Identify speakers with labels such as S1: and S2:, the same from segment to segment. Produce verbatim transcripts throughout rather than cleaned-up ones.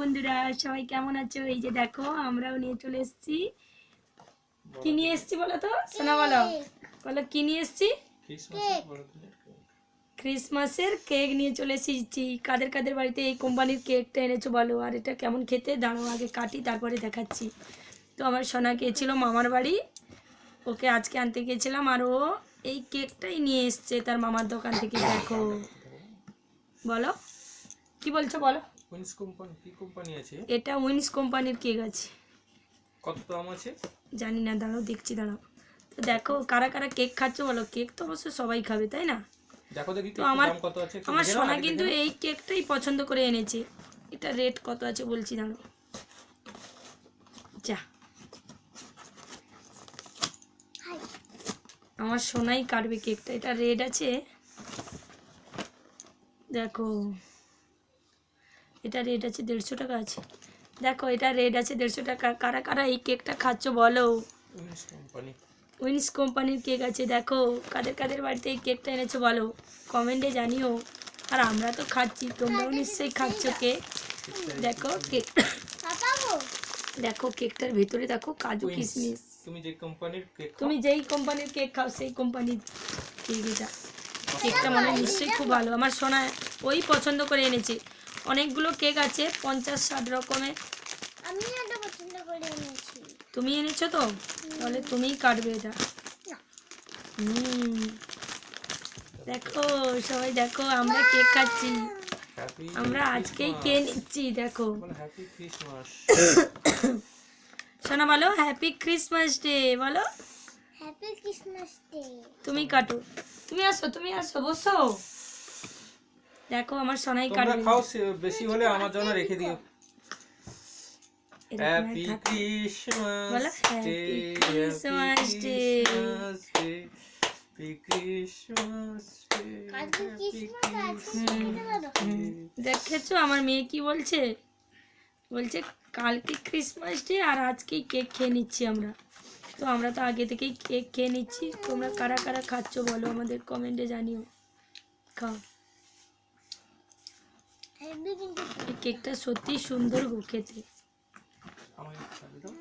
S1: বন্ধুরা, সবাই কেমন আছো? এই যে দেখো আমরাও নিয়ে চলে এসেছি। কি নিয়ে এসেছি বলো তো? শোনা বলো বলো কি নিয়ে এসেছি? ক্রিসমাসের কেক নিয়ে চলে এসেছি। কাদের কাদের বাড়িতে এই কোম্পানির কেকটা এনেছো বলো? আর এটা কেমন খেতে, দাঁড়াও আগে কাটি তারপরে দেখাচ্ছি। তো আমার সোনা গিয়েছিল মামার বাড়ি, ওকে আজকে আনতে গিয়েছিলাম, আর ও এই কেকটাই নিয়ে এসছে তার মামার দোকান থেকে। দেখো বলো কি বলছো বলো।
S2: উইন্স কোম্পানি কি কোম্পানি আছে?
S1: এটা উইন্স কোম্পানির কেক আছে।
S2: কত দাম আছে
S1: জানি না, দাঁড়াও দেখছি, দাঁড়াও। তো দেখো কারা কারা কেক খাচ্ছ বলো। কেক তো অবশ্য সবাই খাবে, তাই না?
S2: দেখো দেখি
S1: তো আমার
S2: দাম কত আছে।
S1: আমার সোনা কিন্তু এই কেকটাই পছন্দ করে এনেছে। এটা রেট কত আছে বলছি, দাঁড়াও। যা, আমার সোনাই কাটবে কেকটা। এটা রেড আছে, দেখো এটা রেড আছে, দেড়শো টাকা আছে। দেখো এটা রেড আছে দেড়শো টাকা। কারা কারা এই কেকটা খাচ্ছ বলো?
S2: উইন্স কোম্পানি
S1: উইন্স কোম্পানির কেক আছে। দেখো কাদের কাদের বাড়িতে এই কেকটা এনেছো বলো, কমেন্টে জানিও। আর আমরা তো খাচ্ছি, তোমরাও নিশ্চয়ই খাচ্ছ কেক। দেখো কেক, দেখো কেকটার ভেতরে দেখো কাজু কিশমিশ।
S2: তুমি যে কোম্পানির কেক
S1: তুমি যেই কোম্পানির কেক খাও সেই কোম্পানির কেক এটা। কেকটা মনে হয় নিশ্চয়ই খুব ভালো। আমার সোনা ওই পছন্দ করে এনেছে। অনেকগুলো কেক আছে, পঞ্চাশ ষাট রকমের।
S3: আমি এটা পছন্দ করে এনেছি।
S1: তুমি এনেছো তো, তাহলে তুমিই কাটবে এটা। হুম, দেখো সবাই দেখো আমরা কেক খাচ্ছি। আমরা আজকেই কেক নিচ্ছি। দেখো
S2: হ্যাপি ক্রিসমাস।
S1: সোনা বলো হ্যাপি ক্রিসমাস ডে বলো।
S3: Happy Christmas day.
S1: তুমি কাটো, তুমি আসো, তুমি আসো, বসো। দেখো আমার সোনাই
S2: তোমরা
S1: কাটবে।
S2: খাও, বেশি হলে আমার জন্য রেখে দিও। হ্যাপি
S1: বলো
S2: Christmas
S1: happy
S2: day,
S1: Christmas day.
S2: Happy Christmas day,
S3: কালকে ক্রিসমাস আছে বলো।
S1: দেখেছো আমার মেয়ে কি বলছে? বলছে কালকে ক্রিসমাস ডে আর আজকেই কেক খেয়ে নিচ্ছি আমরা। তো আমরা তো আগে থেকেই কেক খেয়ে নিচ্ছি। তোমরা কারা কারা খাচ্ছ বলো, আমাদের কমেন্টে জানিও। খাও,
S3: হেভি কিন্তু
S1: এই কেকটা সত্যি সুন্দর গো খেতে।
S2: আমাকে খাবি দাও,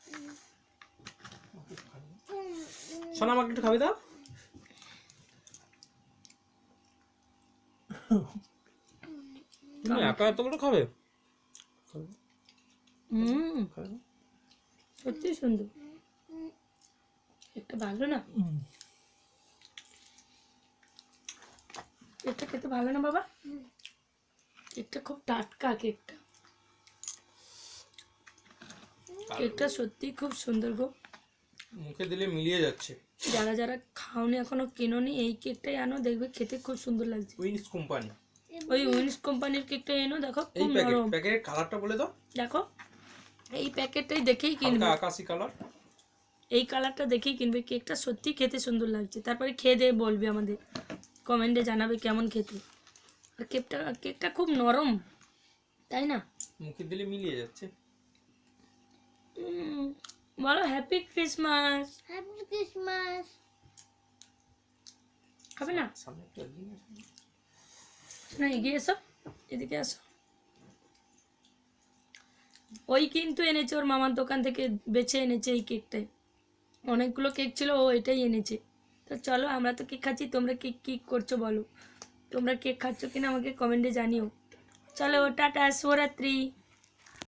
S2: সোনা আমাকে একটু খাবি দাও। তুমি একা এতগুলো খাবে?
S1: হুম, সত্যি সুন্দর। কেকটা ভালো না? কেকটা খেতে ভালো না বাবা? কেকটা খুব টাটকা। কেকটা কেকটা সত্যি খুব সুন্দর গো।
S2: মুখে দিলে মিলিয়ে যাচ্ছে।
S1: যারা যারা খাওনি এখনো কেনোনি, এই কেকটাই আনো, দেখবে খেতে খুব সুন্দর লাগছে।
S2: উইন্স কোম্পানি,
S1: ওই উইন্স কোম্পানির কেকটা এনো, দেখো
S2: এই
S1: খুব
S2: প্যাকেট
S1: নরম।
S2: প্যাকেটের কালারটা বলে দাও।
S1: দেখো এই প্যাকেটটাই দেখেই
S2: হালকা
S1: কিনবে,
S2: আকাশি কালার।
S1: এই কালারটা দেখেই কিনবে। কেকটা সত্যি খেতে সুন্দর লাগছে। তারপরে খেয়ে দিয়ে বলবে, আমাদের কমেন্টে জানাবে কেমন খেতে। আর কেকটা কেকটা খুব নরম, তাই না?
S2: মুখে দিলে মিলিয়ে যাচ্ছে।
S1: উম, বলো হ্যাপি ক্রিসমাস।
S3: Happy Christmas.
S1: খাবে না?
S2: সামনে একটু এগিয়ে আসো।
S1: না এগিয়ে এসো, এদিকে আসো। ওই কিন্তু এনেছে ওর মামার দোকান থেকে, বেছে এনেছে এই কেকটাই। অনেকগুলো কেক ছিল, ও এটাই এনেছে। তো চলো, আমরা তো কেক খাচ্ছি, তোমরা কেক কী করছো বলো। তোমরা কেক খাচ্ছ কিনা আমাকে কমেন্টে জানিও। চলো টাটা, শুভরাত্রি।